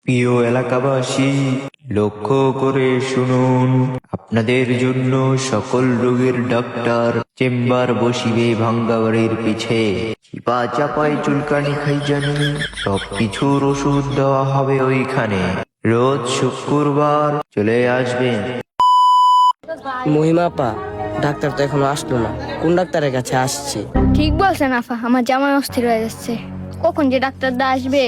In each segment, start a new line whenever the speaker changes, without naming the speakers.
প্রিয় এলাকাবাসী, লক্ষ্য করে শুনুন, আপনাদের জন্য সকল রোগের ডাক্তার চেম্বার বসিবে ভাঙ্গা বাড়ির পিছে। চিপা চাপাই চুলকানি খাইজানি সবকিছুর ওষুধ দেওয়া হবে ওইখানে। রোজ শুক্রবার চলে আসবেন।
মহিমাপা, ডাক্তার তো এখনো আসলো না, কোন ডাক্তারের কাছে আসছে?
ঠিক বলছেন আফা, আমার জামাই অস্থির হয়ে যাচ্ছে, কখন যে ডাক্তারদা আসবে।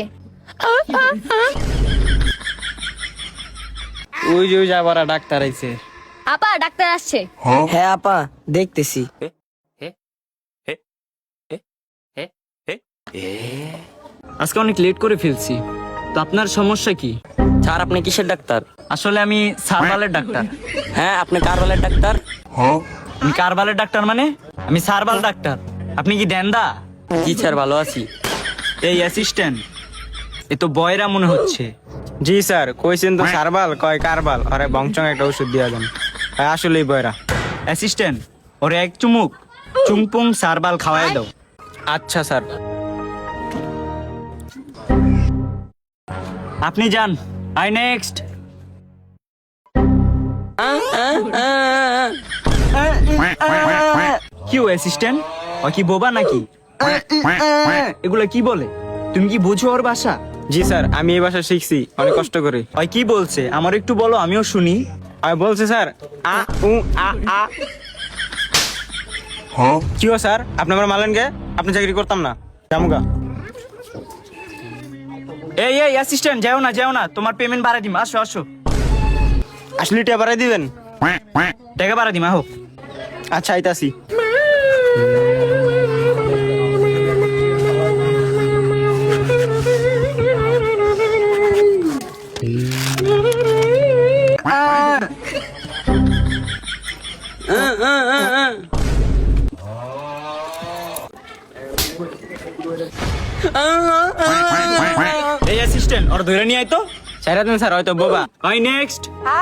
ওই যে যাবার ডাক্তার আইছে।
আপা, ডাক্তার আসছে।
হ্যাঁ আপা, দেখতেছি।
আজকে অনেক লেট করে ফেলছি, তো আপনার সমস্যা কি?
স্যার, আপনি কিসের ডাক্তার?
আসলে আমি সার্ভালের ডাক্তার।
হ্যাঁ, আপনি কারবালের ডাক্তার?
আমি কারবালের ডাক্তার মানে আমি সার্ভাল ডাক্তার। আপনি কি দেন্দা?
জি স্যার, ভালো আছি।
এই অ্যাসিস্ট্যান্ট, এ তো বয়রা মনে হচ্ছে।
জি স্যার, কইছেন তো সারবাল কয় কারবাল, আরে বংচং একটা ওষুধ দিয়া দেন। আসলেই বয়রা।
অ্যাসিস্ট্যান্ট, ওরে এক চুমুক চুংপুং সার্ভাল খাওয়াই দাও।
আচ্ছা স্যার।
আপনি যান। আই নেক্সট। কি ও অ্যাসিস্ট্যান্ট, ও কি বোবা নাকি? এগুলা কি বলে? তুমি কি বুঝো ওর ভাষা?
জি স্যার, আমি এই ভাষা শিখছি অনেক কষ্ট করে।
ওই কি বলছে আমার একটু বলো, আমিও শুনি।
আমি বলছি স্যার, আ উ আ আ। কি ও স্যার, আপনি আমার মালেন কে? আপনি চাকরি করতাম না, জামুগা।
এই এই অ্যাসিস্ট্যান্ট, যাও না যাও না, তোমার পেমেন্ট বাড়াই দিম। আসো আসো।
আসলে টিয়া বাড়াই দিবেন?
টাকা বাড়াই দিম, আহো।
আচ্ছা, আইতাছি।
এই অ্যাসিস্ট্যান্ট, ওর ধরে নিয়ে আয় তো।
ছেড়ে দেন স্যার, হয়তো বোবা।
আই নেক্সট।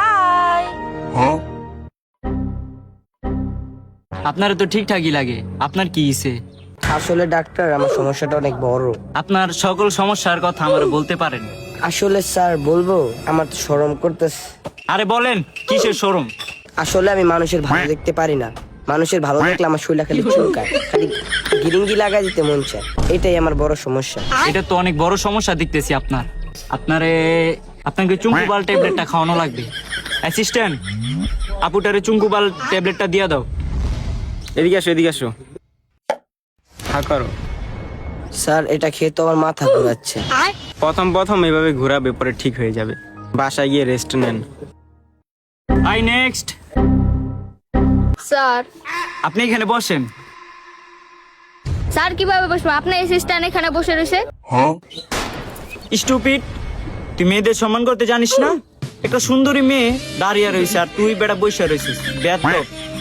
আপনার তো ঠিকঠাকই লাগে, আপনার কি ইসে?
আসলে ডাক্তার, আমার সমস্যাটা অনেক বড়।
আপনার সকল সমস্যার কথা আমার বলতে পারেন?
আসলে স্যার, বলবো? আমার তো শরম করতেছে।
আরে বলেন, কিসের শোরুম?
আসলে আমি মানুষের ভালো দেখতে পারি না। মানুষের ভালো দেখলে আমার শরীরটা খালি চুলকায়, খালি গিরিঙ্গি লাগাই দিতে মন চায়। এটাই আমার বড় সমস্যা।
এটা তো অনেক বড় সমস্যা দেখতেছি আপনার। আপনাকে চুঙ্কুবাল ট্যাবলেটটা খাওয়ানো লাগবে। অ্যাসিস্ট্যান্ট, আপুটারে চুঙ্কুবাল ট্যাবলেটটা দিয়ে দাও।
এদিকে আসো, এদিকে আসো। হা করো।
স্যার, এটা খেয়ে তো আমার মাথা ঘুরাচ্ছে।
প্রথম প্রথম এভাবে ঘোরাবে, পরে ঠিক হয়ে যাবে। বাসায় গিয়ে রেস্ট নেন।
I next.
স্যার,
আপনি এখানে বসেন।
স্যার কিভাবে বসবো? আপনার অ্যাসিস্ট্যান্ট এখানে বসে রয়েছে।
স্টুপিড, তুই মেয়েদের সম্মান করতে জানিস না? একটা সুন্দরী মেয়ে দাঁড়িয়ে রয়েছে আর তুই বেটা বসে রয়েছিস। বেয়াদব।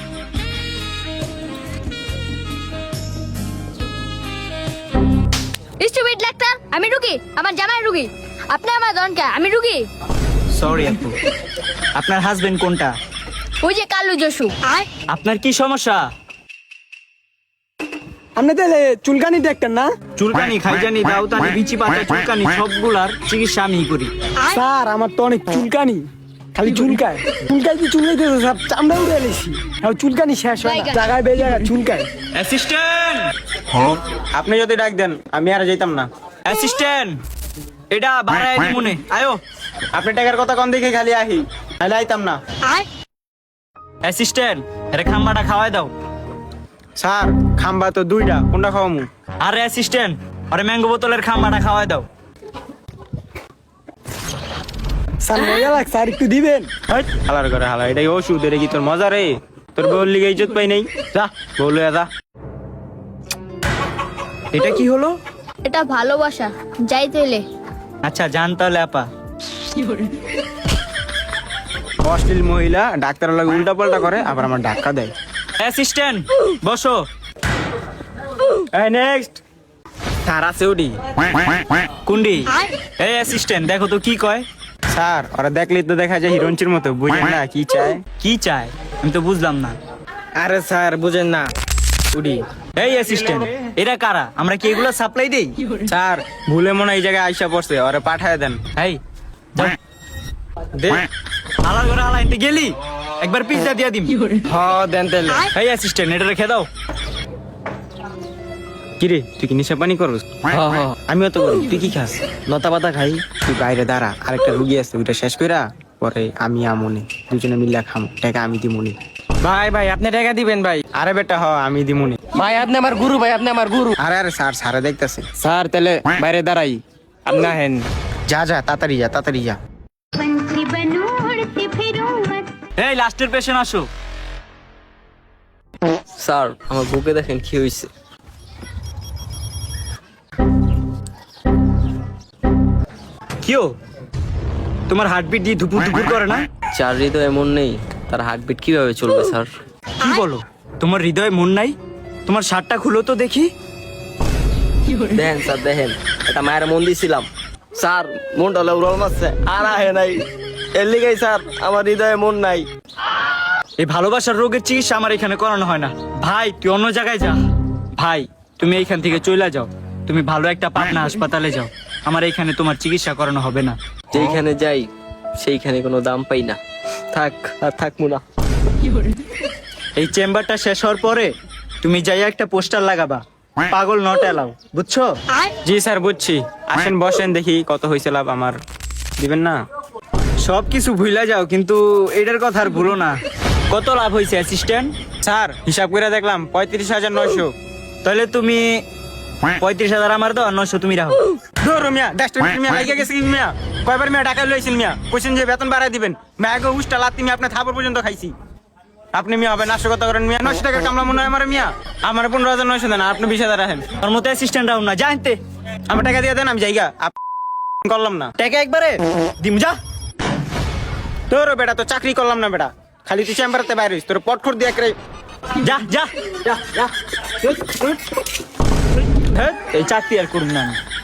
স্টুপিড ডাক্তার, আমি রুগী, আমার জামাই রুগী। আপনি আমার দনকে, আমি রুগী।
সরি আপু। আপনার হাজবেন্ড কোনটা?
ওই যে কালু জসু।
আপনার কি সমস্যা?
আপনি তাহলে চুলকানি দেখতেন না?
চুলকানি, খাইজানি, দাউতানি, বিচি পাতা, চুলকানি সবগুলার চিকিৎসা আমি করি।
স্যার, আমার তো অনেক চুলকানি, খালি চুলকায় চুলকাই কি চুলকাইতে সব চামড়া উড়ে এলেছি। চুলকানি শেষ হয় না, জায়গায় বে জায়গায় চুলকায়।
অ্যাসিস্ট্যান্ট,
আপনি যদি ডাক দেন আমি আর যাইতাম না।
অ্যাসিস্ট্যান্ট, এটা বাড়ায় দি মনে আয়ো।
আপনি টাকার কথা কন দেখে খালি আহি, নাহলে আইতাম না।
অ্যাসিস্ট্যান্ট, এটা খাম্বাটা খাওয়াই দাও।
স্যার, খাম্বা তো দুইটা, কোনটা খাওয়ামু?
আরে অ্যাসিস্ট্যান্ট, আরে ম্যাঙ্গো বোতলের খাম্বাটা খাওয়াই দাও।
স্যার, মজা লাগছে, আর একটু দিবেন?
হালার করে হালা, এটাই ওষুধ, এটা কি তোর মজা রে? তোর বউর লিগে ইজ্জত পাই নাই, যা বলে যা।
এটা কি হলো?
এটা ভালোবাসা, যাই তাইলে।
আচ্ছা জান তাহলে আপা।
অশ্লীল মহিলা ডাক্তার লাগে উল্টা পাল্টা করে, আবার আমার ধাক্কা দেয়।
অ্যাসিস্ট্যান্ট, বসো।
এই নেক্সট। স্যার আছে ওডি।
কুন্ডি। এই অ্যাসিস্ট্যান্ট, দেখো তো কি কয়।
স্যার, ওরা দেখলেই তো দেখা যায় হিরোইনচির মতো, বুঝেন না কি চায়?
কি চায় আমি তো বুঝলাম না।
আরে স্যার, বুঝেন না উডি।
এই অ্যাসিস্ট্যান্ট, এরা কারা? আমরা কি এগুলো সাপ্লাই দেই?
স্যার, ভুলে মনে হয় এই জায়গায় আইসা পড়ছে, ওরা পাঠায় দেন।
এই
দে
আলার ঘরে আলাইনতে গেলি একবার পিজ্জা দিয়া দিম।
হ দেন তাহলে।
এই অ্যাসিস্ট্যান্ট এটা রেখে দাও।
কিরে তুই কি নেশা পানি করস? আমিও তো করি। তুই কি খাস? লতা পাতা খাই। তুই বাইরে দাঁড়া, আরেকটা রুগী আছে, ওইটা শেষ কইরা পরে আমি আমনে দুজনে মিলে খাম, টাকা আমি দিমুনি। ভাই ভাই আপনি টাকা দিবেন ভাই। আরে বেটা হ আমি দিমুনি।
ভাই আপনি আমার গুরু, ভাই আপনি আমার গুরু।
আরে আরে স্যার স্যারে দেখতেছে। স্যার তাহলে বাইরে দাঁড়াই। আপনি হেন যা যা তাড়াতাড়ি যা তাড়াতাড়ি যা।
पंछी बनूं उड़ती फिरूं मत
এই লাস্টের পেশেন্ট আসো।
স্যার আমার বুকে দেখেন কি হয়েছে।
কিও তোমার হার্টবিট দিয়ে ধুপুর ধুপুর করে না?
যার হৃদয় এমন নেই তার হার্টবিট কিভাবে চলবে স্যার?
কি বলো, তোমার হৃদয়ে মন নাই? তোমার শার্টটা খুলো তো দেখি।
দেখেন স্যার দেখেন, এটা মায়ের মন দিছিলাম স্যার, মনটা উড়াল মারছে আর আহে নাই। এর লিগাই স্যার আমার হৃদয়ে মন নাই।
এই ভালোবাসার রোগের চিকিৎসা আমার এখানে করানো হয় না। ভাই তুই অন্য জায়গায় যা। ভাই তুমি এইখান থেকে চলে যাও, তুমি ভালো একটা পাটনা হাসপাতালে যাও। আমার এইখানে তোমার চিকিৎসা করানো হবে না।
যেইখানে যাই সেইখানে কোনো দাম পাই না। থাক আর থাকবো না।
এই চেম্বারটা শেষ হওয়ার পরে তুমি যাই একটা পোস্টার লাগাবা, পাগল নট এলাও, বুঝছো?
জি স্যার বুঝছি। আসেন বসেন দেখি কত হয়েছে লাভ আমার। দিবেন না?
সব কিছু ভুলা যাও, কিন্তু এটার কথা আর ভুলো না। কত লাভ হয়েছে অ্যাসিস্ট্যান্ট?
স্যার হিসাব করে দেখলাম 35,900।
তাহলে তুমি 35,000 আমার দাও আর 900 তুমি রাখো।
ধরো মিয়া 10 মিনিট মিয়া লাগিয়ে গেছে কি মিয়া? কয়বার মিয়া টাকা লইছেন মিয়া? কোশ্চেন যে বেতন বাড়ায় দিবেন মিয়া, আগে উষ্টা লাত্তি মিয়া আপনার থাপড় পর্যন্ত খাইছি। আপনি মিয়া হবে নাশকতা করেন মিয়া। 900 টাকার কামলা মনে হয় আমার মিয়া। আমার 15,900 দেন, আর আপনি 20,000 রাখেন।
আমার মতো অ্যাসিস্ট্যান্ট রাও না, জানতে
আমার টাকা দিয়ে দেন, আমি যাইগা। করলাম না
টাকা একবারে দিম যা।
তোর বেটা তো চাকরি করলাম না বেটা, খালি তুই চেম্বারতে বাইরে হইস, তোর পটখর দিয়ে করে
যা যা যা যা। এই চাকরি আর করুন না আমি।